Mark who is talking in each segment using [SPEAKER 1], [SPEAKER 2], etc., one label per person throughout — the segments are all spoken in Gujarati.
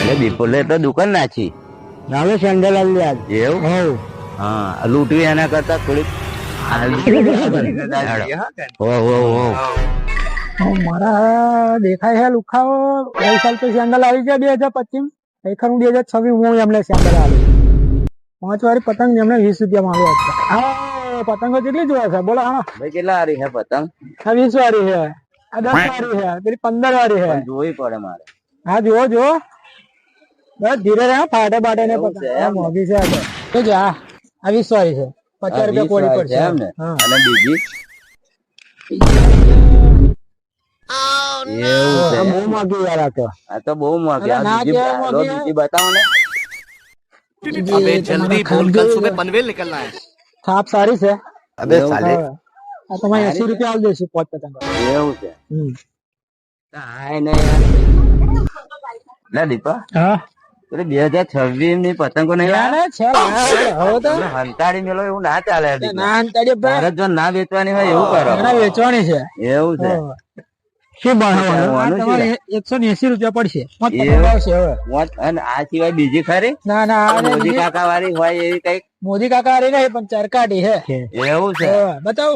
[SPEAKER 1] એટલે બિપોલે તો દુકાન નાખી
[SPEAKER 2] નાલે સેન્ડલ આવી આજ
[SPEAKER 1] એવું
[SPEAKER 2] હવ
[SPEAKER 1] હા લૂંટવી એના કરતા થોડીક
[SPEAKER 2] મારા દેખાય છે લુખાઓ ગઈ સાલ તો સેન્ડલ આવી ગયા 2025 ખરેખર હું 2026 હું એમને સેન્ડલ આવી 5 વાળી પતંગ એમને 20 રૂપિયા માંગો હા પતંગો કેટલી જોવા છે બોલો હા
[SPEAKER 1] ભાઈ કેટલા હારી છે પતંગ
[SPEAKER 2] આ 20 વાળી છે આ 10 વાળી છે પેલી 15 વાળી છે
[SPEAKER 1] જોવી પડે મારે
[SPEAKER 2] હા જુઓ જુઓ બસ ધીરે રહે ફાટે બાટે ને
[SPEAKER 1] એવું છે
[SPEAKER 2] પતંગ
[SPEAKER 1] એમ ને?
[SPEAKER 2] મોંઘી છે આ તો જા આ 20 વાળી છે 50 રૂપિયા કોડી પડશે
[SPEAKER 1] એમ ને
[SPEAKER 2] હા
[SPEAKER 1] અને બીજી એવું છે
[SPEAKER 2] બહુ મોંઘી યાર આ તો
[SPEAKER 1] આ તો બહુ મોંઘી
[SPEAKER 2] અરે ના
[SPEAKER 1] બીજી
[SPEAKER 2] કહેવાય
[SPEAKER 1] લો,
[SPEAKER 2] મોંઘી
[SPEAKER 1] બીજી બતાવો ને
[SPEAKER 3] अबे जल्दी बोल कल सुबह पनवेल निकलना है।
[SPEAKER 2] થાપ સારી છે
[SPEAKER 1] અબે સાલે
[SPEAKER 2] આ તમારે 80 રૂપિયા આલ દેશું 5 પતંગ
[SPEAKER 1] એવું છે હાય ને યાર ના દીપા
[SPEAKER 2] હા
[SPEAKER 1] એટલે 2026 ની પતંગો નહીં
[SPEAKER 2] યાર છે હવે તો
[SPEAKER 1] હંતાડી મેલો એવું ના ચાલે દીપા.
[SPEAKER 2] ના અંતાડી ભાઈ
[SPEAKER 1] ભારત જો ના વેચવાની હોય એવું કરો
[SPEAKER 2] એના વેચવાની છે
[SPEAKER 1] એવું છે
[SPEAKER 2] શું બનાવવાનું
[SPEAKER 1] કરવાનું શું
[SPEAKER 2] તમારે 180 રૂપિયા પડશે 5 પતંગ
[SPEAKER 1] એવું?
[SPEAKER 2] આવશે હવે
[SPEAKER 1] અને આ સિવાય બીજી ખરી
[SPEAKER 2] ના ના આ
[SPEAKER 1] મોદી
[SPEAKER 2] બીજી
[SPEAKER 1] કાકા વાળી હોય એવી કઈક
[SPEAKER 2] મોદી કાકા હારી નહીં પણ ચરકાટી છે
[SPEAKER 1] એવું છે
[SPEAKER 2] બતાવ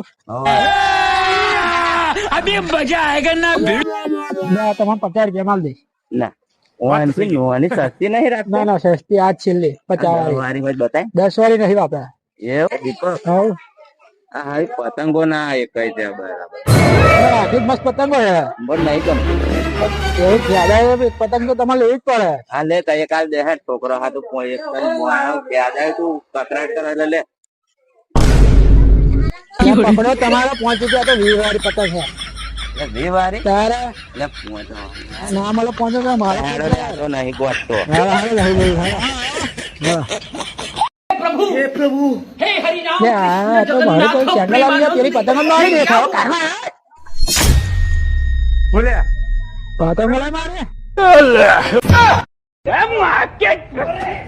[SPEAKER 3] अभी मजा आएगा ना
[SPEAKER 2] તમારે 50 રૂપિયા માલ દે
[SPEAKER 1] ના ઓનથી નોની સસ્તી નહીં રાખતા
[SPEAKER 2] ના ના સસ્તી આજ છેલ્લી 50 વાળી
[SPEAKER 1] વાળી હોય બતાય
[SPEAKER 2] 10 વાળી નહીં વાપરા
[SPEAKER 1] એવું દીપક
[SPEAKER 2] હવ
[SPEAKER 1] આ હારી પતંગો ના એક કઈ છે બરાબર
[SPEAKER 2] આખી મસ્ત પતંગો છે
[SPEAKER 1] પણ નહીં ગમતું
[SPEAKER 2] એવું જ્યાદા પતંગ તો તમારે લેવી જ પડે
[SPEAKER 1] હા લે કઈ કાલ દે હે છોકરો હાથું કોઈ એક યાદ તું કકરાટ કરે એટલે લે
[SPEAKER 2] પકડો તમારે 5 રૂપિયા તો 20 વાળી પતંગ છે
[SPEAKER 1] એટલે વી વારી
[SPEAKER 2] તારે
[SPEAKER 1] એટલે પૂછો
[SPEAKER 2] ના મળે 5 રૂપિયા મારે
[SPEAKER 1] તો નહીં ગોઠતો
[SPEAKER 2] ચેનલ આવી પેલી પતંગ મારી દેખાવ
[SPEAKER 1] બોલ્યા
[SPEAKER 2] પતંગ મારે